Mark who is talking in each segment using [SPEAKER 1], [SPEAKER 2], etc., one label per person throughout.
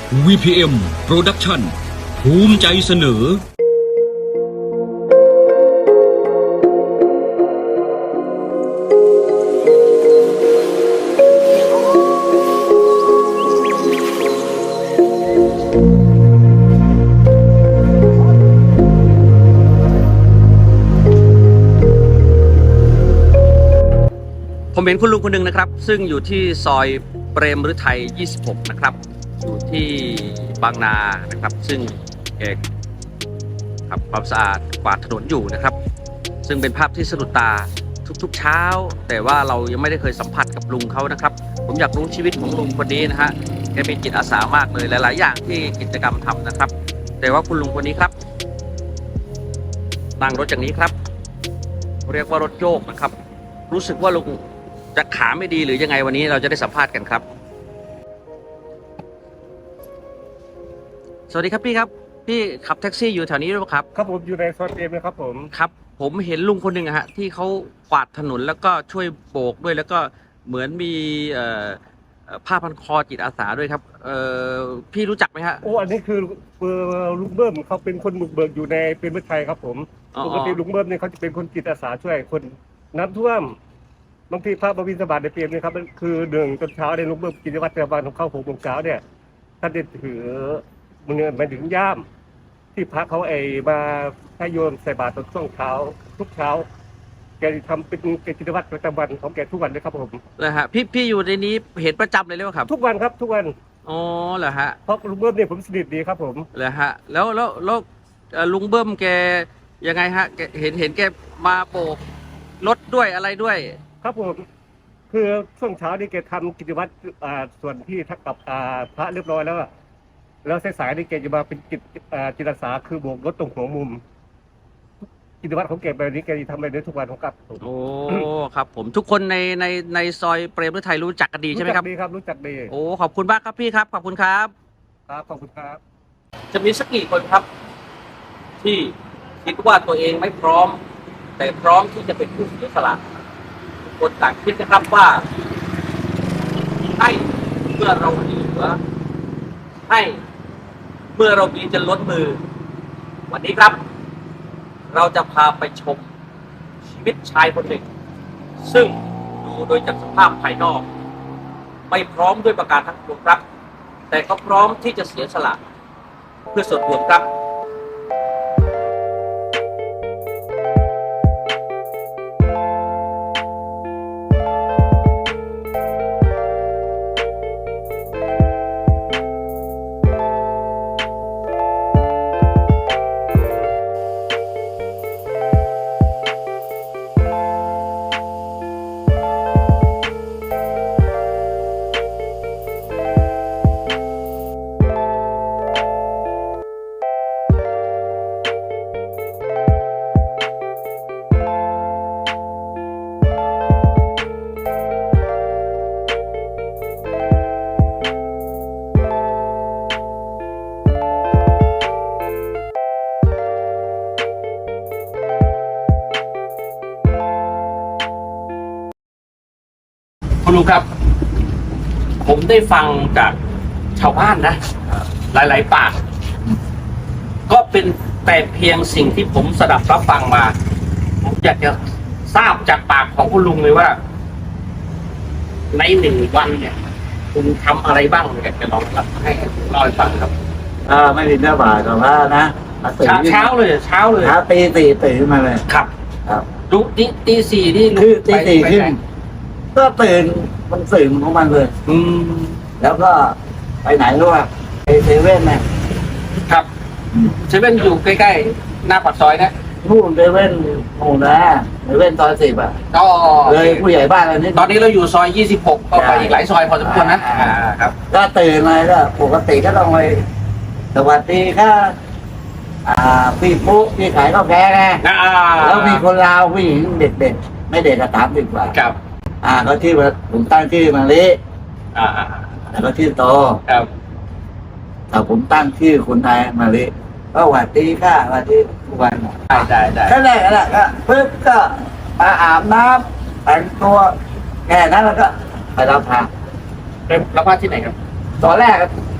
[SPEAKER 1] VPM Production ภูมิใจเสนอ
[SPEAKER 2] ผมเห็นคุณลุงคนหนึ่งนะครับซึ่งอยู่ที่ซอยเปรมฤทัย 26 นะครับอยู่ที่บางนานะครับซึ่งแกทำความสะอาดกวาดถนนอยู่นะครับซึ่งเป็นภาพที่สะดุดตาทุกๆเช้าแต่ว่าเรายังไม่ได้เคยสัมผัสกับลุงเขานะครับผมอยากรู้ชีวิตของลุงคนนี้นะฮะแกมีจิตอาสามากเลยหลายๆอย่างที่กิจกรรมทำนะครับแต่ว่าคุณลุงคนนี้ครับนั่งรถอย่างนี้ครับเรียกว่ารถโยกนะครับรู้สึกว่าลุงจะขาไม่ดีหรือยังไงวันนี้เราจะได้สัมภาษณ์กันครับสวัสดีครับพี่ครับพี่ขับแท็กซี่อยู่แถวนี้หรือเปล่าครับ
[SPEAKER 3] ครับผมอยู่ในซอยเต็มเลยครับผม
[SPEAKER 2] ครับผมเห็นลุงคนหนึ่งอะฮะที่เขากวาดถนนแล้วก็ช่วยโบกด้วยแล้วก็เหมือนมีผ้าพันคอจิตอาสาด้วยครับพี่รู้จักไหมฮะ
[SPEAKER 3] โอ้อันนี้คือลุงเบิ้มเขาเป็นคนบุกเบิกอยู่ในเป็นเมืองไทยครับผมปกติลุงเบิ้มเนี่ยเขาจะเป็นคนจิตอาสาช่วยคนน้ำท่วมบางทีพระบวินทบาทในเปรมเนี่ยครับมันคือหนึ่งตอนเช้าในลุงเบิ้มกิจวัตรประจำวันของเขา6 โมงเช้าเนี่ยท่านจะถือมือมาถึงย่ามที่พระเขามาให้โยมใส่บาตรตอนช่วงเช้าทุกเช้าแกทำเป็นกิจวัตรประจำวันของแกทุกวันเลยครับผม
[SPEAKER 2] เลยฮะพี่อยู่ในนี้เห็นประจำเลยหรือเปล่าครับ
[SPEAKER 3] ทุกวันครับทุกวัน
[SPEAKER 2] อ๋อเหรอฮะ
[SPEAKER 3] เพราะลุงเบิ้มเนี่ยผมสนิทดีครับผม
[SPEAKER 2] เหรอฮะแล้วลุงเบิ้มแกยังไงฮะแกเห็นแกมาโบกรถด้วยอะไรด้วย
[SPEAKER 3] ครับผมคือช่วงเช้านี่แกทำกิจวัตรส่วนที่ทักกับพระเรียบร้อยแล้วสายๆนี่แกจะมาเป็นจิตอาสาคือโบกรถตรงหัวมุมกิจวัตรของแกแบบนี้แกทำแบบนี้ทุกวันของกับ
[SPEAKER 2] โอ้ครับผมทุกคนในซอยเปรมฤทัยรู้จักกันดีใช่ไหมครับ
[SPEAKER 3] รู้จักดีครับรู้จักดี
[SPEAKER 2] โอ้ขอบคุณมากครับพี่ครับขอบคุณครับ
[SPEAKER 3] ครับขอบคุณครับ
[SPEAKER 2] จะมีสักกี่คนครับที่คิดว่าตัวเองไม่พร้อมแต่พร้อมที่จะเป็นผู้เสียสละทุกคนต่างคิดนะครับว่าให้เมื่อเราเหลือให้เมื่อเรามีจะล้นมือวันนี้ครับเราจะพาไปชมชีวิตชายคนหนึ่งซึ่งดูโดยจากสภาพภายนอกไม่พร้อมด้วยประการทั้งปวงครับแต่เขาพร้อมที่จะเสียสละเพื่อส่วนรวมครับคุณลุงครับผมได้ฟังจากชาวบ้านนะหลายๆปากก็เป็นแต่เพียงสิ่งที่ผมสดับรับฟังมาผมอยากจะทราบจากปากของคุณลุงเลยว่าใน1 วันเนี่ยคุณทำอะไรบ้างอยากจะลองให้เล่าให้ฟังครับ
[SPEAKER 4] ไม่ได้เนื้อบาทกับว่านะ
[SPEAKER 2] เช้าเลย
[SPEAKER 4] เช้าตี 4ตื่นมาเลย
[SPEAKER 2] ครับดูตี 4นี่
[SPEAKER 4] คือตี 4ขึ้นก็ตื่นมันตื่นของมันเลยแล้วก็ไปไหนรู้ป่ะไปเซเว่น
[SPEAKER 2] ครับเซเว่นอยู่ใกล้ๆหน้าปากซอยนะ
[SPEAKER 4] นู่นเซเว่นโน่นนะเซเว่นซอย10
[SPEAKER 2] ก็
[SPEAKER 4] เลยผู้ใหญ่บ้านอันนี้
[SPEAKER 2] ตอนนี้เราอยู่ซอย26ก็ไปอีกหลายซอยพอสมควรนะครับ
[SPEAKER 4] ก็ตื่นมาก็ปกติก็ต้องไปสวัสดีค่ะพี่ปุ๊พี่ขายข้าวแกงไงแล้วมีคนลาวผู้หญิงเด็กๆไม่เด็กก็30 กว่า
[SPEAKER 2] ครับ
[SPEAKER 4] เขาชื่อผมตั้งชื่อมาลิแล้วก็ชื่อโต
[SPEAKER 2] ครับ
[SPEAKER 4] แต่ผมตั้งชื่อคนไทยมาลิก็หวัดดีค่ะหวัดดีทุกวัน
[SPEAKER 2] ได้
[SPEAKER 4] ก็แรกก็ปึ๊บก็มาอาบน้ำแต่งตัวแค่นั้นแล้วก็ไปรับพระ
[SPEAKER 2] รับพระที่ไหนครับ
[SPEAKER 4] ตอนแรก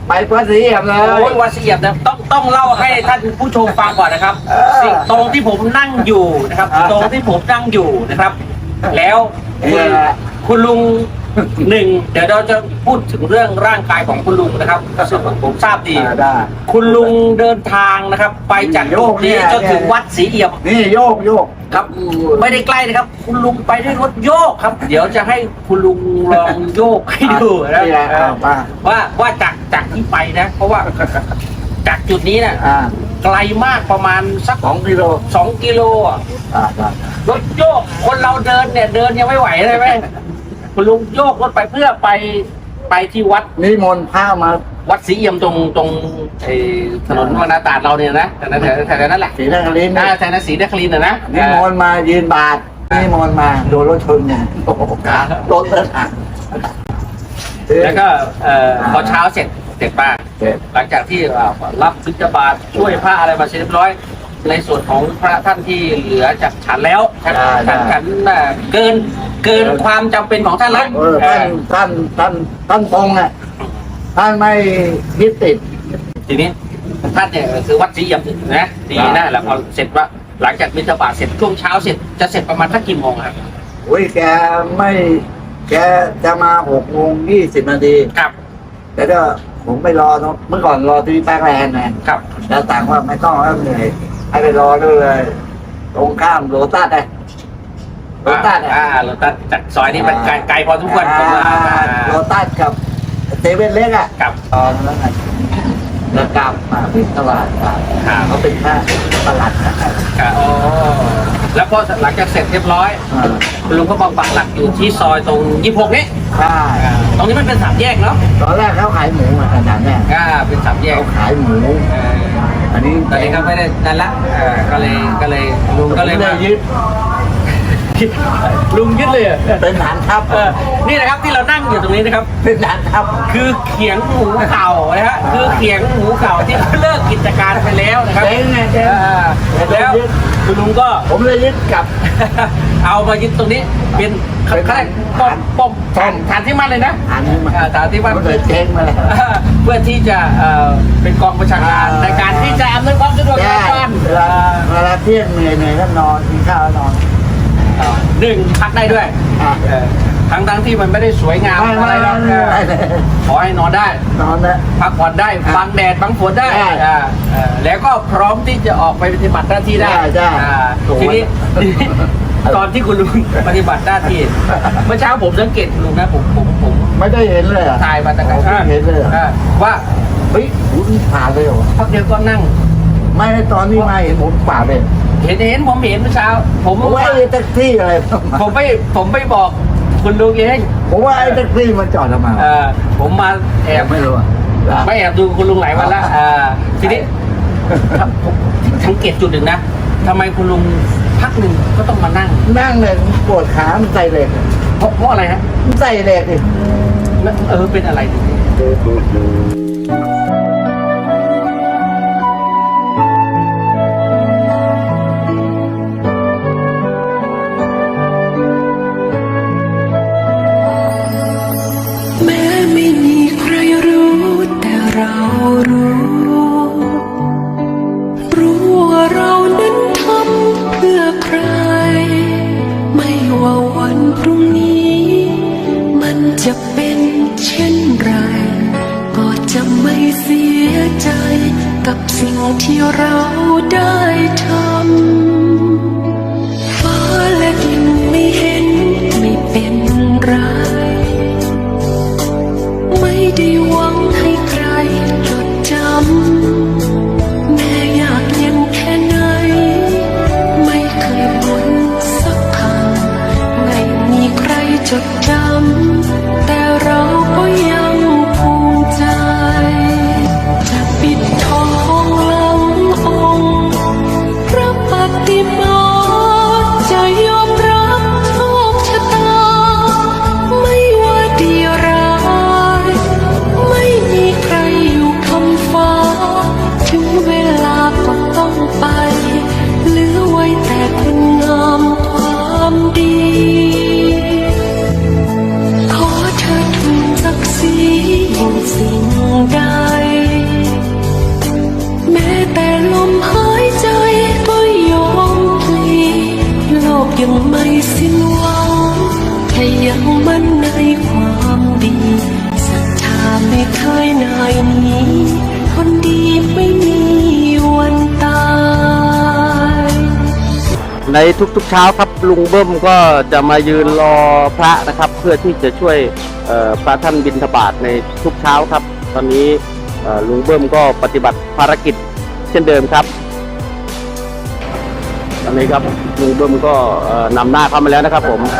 [SPEAKER 4] ไปวัดศรีเอี่ยมเลย
[SPEAKER 2] โอ้ยวัดศรีเอี่ยมนะต้องเล่าให้ท่านผู้ชมฟังก่อนนะครับสิ่งตรงที่ผมนั่งอยู่นะครับ ตรงที่ผมนั่งอยู่นะครับ แล้วคุณลุงหนึ่งเดี๋ยวเราจะพูดถึงเรื่องร่างกายของคุณลุงนะครับก็ซึ่งผมทราบดี
[SPEAKER 4] ได้
[SPEAKER 2] คุณลุงเดินทางนะครับ ไปจากโยกนี้จนถึงวัดศรีเอี่ยม
[SPEAKER 4] นี่โยก
[SPEAKER 2] ครับไม่ได้ใกล้นะครับ คุณลุงไปด้วยรถโยกครับ เดี๋ยวจะให้คุณลุงลองโยกให้ดูนะ
[SPEAKER 4] นี่แหละ
[SPEAKER 2] ว่าจากที่ไปนะ เพราะว่าจากจุดนี้นะไกลมากประมาณสัก
[SPEAKER 4] 2 กิโล
[SPEAKER 2] 2 กิโลอ่ะ
[SPEAKER 4] ได้
[SPEAKER 2] รถโยกคนเราเดินเนี่ยเดินยังไม่ไหวเลยไหมคุณลุงโยกรถไปเพื่อไปที่วัด
[SPEAKER 4] นิมนต์พระมา
[SPEAKER 2] วัดศรีเอี่ยมตรงไอ้ถนนวนาตราดเราเนี่ยนะแถวนั้นแหละ
[SPEAKER 4] ศรีนครินทร์
[SPEAKER 2] แถวนั้นศรีนครินทร์นะ
[SPEAKER 4] นิมนต์มายืนบาทนิมนต์มาโดนรถชนเนี่ยโอ้โหรถเลยอ่ะ
[SPEAKER 2] แล้วก็พอเช้าเสร็จมาหลังจากที่รับบิณฑบาตช่วยพระอะไรมาเสร็จเรียบร้อย ในส่วนของพระท่านที่เหลือจากฉันแล้วฉันเกินความจำเป็นของท่านแล้ว
[SPEAKER 4] ท่านตรงอ่ะท่านไม่ยึดติด
[SPEAKER 2] ทีนี้ท่านเนี่ยคือวัดศรีเอี่ยมนะดีนะแล้วพอเสร็จว่าหลังจากบิณฑบาตเสร็จช่วงเช้าเสร็จจะเสร็จประมาณสักกี่โมงครับ
[SPEAKER 4] แกจะมา6:20 นาที
[SPEAKER 2] ครับ
[SPEAKER 4] แล้วก็ผมไปรอเมื่อก่อนรอที่แป๊กแลนด์นะครับ แล้วต่างว่าไม่ต้องแล้วเหนื่อยให้ไปรอด้วยเลยตรงข้ามโรตัสโรตัส
[SPEAKER 2] โรตัสจากซอยนี้มันไกลพอทุกคนผมว่า
[SPEAKER 4] โรตัสกับเซเว่นเล็กอ่ะ
[SPEAKER 2] กับ
[SPEAKER 4] ตอนนั้นแล้วกลับมาที่ตลาดเขาเป็นแค่ตลาดนะครับ
[SPEAKER 2] แล้วพอหลังจากเสร็จเรียบร้อยคุณลุงก็มาปักหลักอยู่ที่ซอยตรง26นี้
[SPEAKER 4] ใช่
[SPEAKER 2] ตรงนี้มันเป็น3 แยกเนาะ
[SPEAKER 4] ตอนแรกเขาขายหมูอาจารย์แน่
[SPEAKER 2] เป็น3 แยก
[SPEAKER 4] เขาขายหมูอันนี้
[SPEAKER 2] ตอนนี้ก็ไม่ได้นั่นละก็เลยลุงก็เลย
[SPEAKER 4] ได้ยึด
[SPEAKER 2] ลุงยึดเลย
[SPEAKER 4] เป็นฐานทัพ
[SPEAKER 2] นี่นะครับที่เรานั่งอยู่ตรงนี้นะครับ
[SPEAKER 4] เป็นฐานทัพ
[SPEAKER 2] คือเขียงหมูเก่านะฮะคือเขียงหมูเก่าที่เลิกกิจการไปแล้วนะครับ
[SPEAKER 4] เจ๊งไงเจ๊ง
[SPEAKER 2] แล้วคุณลุงก็
[SPEAKER 4] ผมเลยยึดกลับ
[SPEAKER 2] เอามายึดตรงนี้เป็นป้อมฐานที่มั่นเลยนะ
[SPEAKER 4] ฐานที่มั่น
[SPEAKER 2] ฐานที่มั่น
[SPEAKER 4] มันเลยเจ๊งมาแล้ว
[SPEAKER 2] เพื่อที่จะเป็นกองประชาการในการที่จะอำนวยความสะดวกแก่การ
[SPEAKER 4] เวลาเที่ยงเหนื่อยก็นอนกินข้าวแล้วนอน
[SPEAKER 2] 1 พักได้ด้วยทั้งที่มันไม่ได้สวยงามอะไรหรอกขอให้นอนได้
[SPEAKER 4] นอนนะ
[SPEAKER 2] พักผ่อนได้บังแดดบังฝนได้แล้วก็พร้อมที่จะออกไปปฏิบัติหน้าที่ได้ทีนี้ตอนที่คุณลุงปฏิบัติหน้าที่เมื่อเช้าผมสังเกตคุณลุงนะผม
[SPEAKER 4] ไม่ได้เห็นเลย
[SPEAKER 2] ถ่ายมาตั้งแต่ข้าง
[SPEAKER 4] เห็นเลย
[SPEAKER 2] ว่า
[SPEAKER 4] เฮ้ยคุณผ่านเลยเหรอ
[SPEAKER 2] พักเดียวก็นั่ง
[SPEAKER 4] ไม่ตอนนี้มาเห็นผมผ่านเลย
[SPEAKER 2] เห็นผมเห็นเมื่อเช้าผม
[SPEAKER 4] ว่าไอ้แท็กซี่อะไร
[SPEAKER 2] ผมไม่บอกคุณลุงเอง
[SPEAKER 4] ผมว่าไอ้แท็กซี่มันจอดทำไม
[SPEAKER 2] ผมมาแอบ
[SPEAKER 4] ไม่รู้
[SPEAKER 2] ไม่แอบดูคุณลุงหลายวันแล้วทีนี้ผมสังเกตจุดหนึ่งนะทำไมคุณลุงพักหนึ่งก็ต้องมานั่ง
[SPEAKER 4] นั่งเลยปวดขามันใส่เหล็ก
[SPEAKER 2] เพราะอะไรฮะ
[SPEAKER 4] มันใส่เหล็กดิ
[SPEAKER 2] เป็นอะไรดิ
[SPEAKER 5] แม้ไม่มีใครรู้แต่เรารู้ว่าเรานั้นทำเพื่อใคร ไม่ว่าวันพรุ่งนี้มันจะเป็นเช่นไร ก็จะไม่เสียใจกับสิ่งที่เราได้ทำฟ้าและดินไม่เห็นไม่เป็นไร ไม่ได้หวังให้ใครจดจำแม้ยากเย็นแค่ไหนไม่เคยบ่นสักคำไม่มีใครจดจำแต่เราก็ยังภูมิใจจะปิดทองหลังองค์พระปฏิเคยนายหนี้คนดีไม่มีวันตาย
[SPEAKER 2] ในทุกๆเช้าครับลุงเบิ้มก็จะมายืนรอพระนะครับ เพื่อที่จะช่วยพระท่านบิณฑบาตในทุกเช้าครับ ตอนนี้ลุงเบิ้มก็ปฏิบัติภารกิจเช่นเดิมครับตอนนี้ครับลุงเบิ้มก็นำหน้าเข้ามาแล้วนะครับผม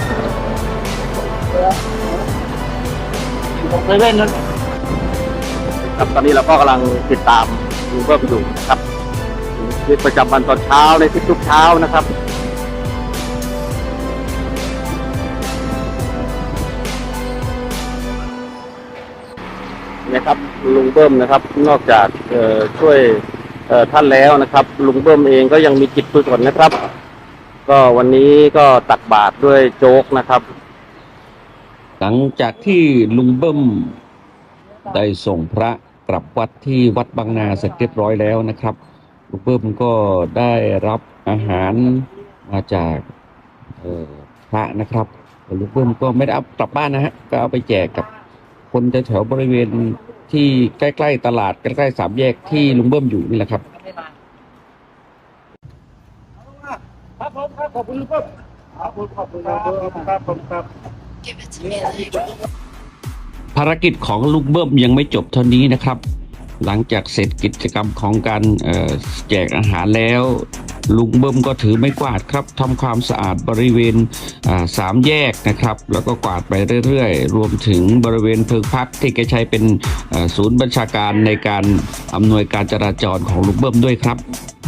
[SPEAKER 2] ครับตอนนี้เราก็กำลังติดตามลุงเบิ้มอยู่ครับชีวิตประจำวันตอนเช้าในทุกๆเช้านะครับนะครับลุงเบิ้มนะครับนอกจากช่วยท่านแล้วนะครับลุงเบิ้มเองก็ยังมีจิตกุศลนะครับก็วันนี้ก็ตักบาตรด้วยโจ๊กนะครับหลังจากที่ลุงเบิ้มได้ส่งพระกลับวัดที่วัดบางนาเสร็จเรียบร้อยแล้วนะครับลุงเบิ้มก็ได้รับอาหารมาจากพระนะครับลุงเบิ้มก็ไม่ได้เอากลับบ้านนะฮะก็เอาไปแจกกับคนแถวบริเวณที่ใกล้ๆตลาดใกล้ๆสามแยกที่ลุงเบิ้มอยู่นี่แหละครับ
[SPEAKER 3] ครับผมครับขอบคุณลุงเบิ้มครับผมขอบคุณครับผมครับ
[SPEAKER 5] Give it to me like
[SPEAKER 1] ภารกิจของลุงเบิ้มยังไม่จบเท่านี้นะครับ หลังจากเสร็จกิจกรรมของการแจกอาหารแล้วลุงเบิ้มก็ถือไม้กวาดครับทำความสะอาดบริเวณสามแยกนะครับ แล้วก็กวาดไปเรื่อยๆรวมถึงบริเวณเพิงพักที่แกใช้เป็นศูนย์บัญชาการในการอำนวยการจราจรของลุงเบิ้มด้วยครับ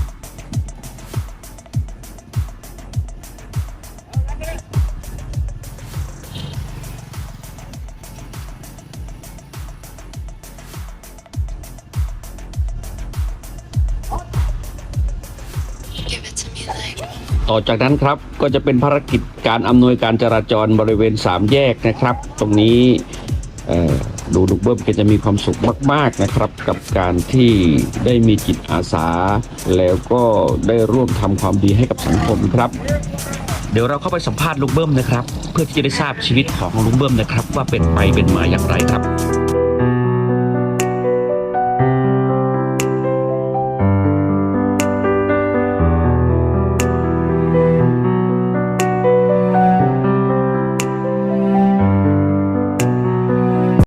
[SPEAKER 5] Give it to me like
[SPEAKER 1] ต่อจากนั้นครับก็จะเป็นภารกิจการอำนวยการจราจรบริเวณสามแยกนะครับ ตรงนี้ดูลุงเบิ้มก็จะมีความสุขมากๆนะครับ กับการที่ได้มีจิตอาสา แล้วก็ได้ร่วมทำความดีให้กับสังคมครับเดี๋ยวเราเข้าไปสัมภาษณ์ลุงเบิ้มนะครับ เพื่อที่จะได้ทราบชีวิตของลุงเบิ้มนะครับ ว่าเป็นไปเป็นมาอย่างไรครับ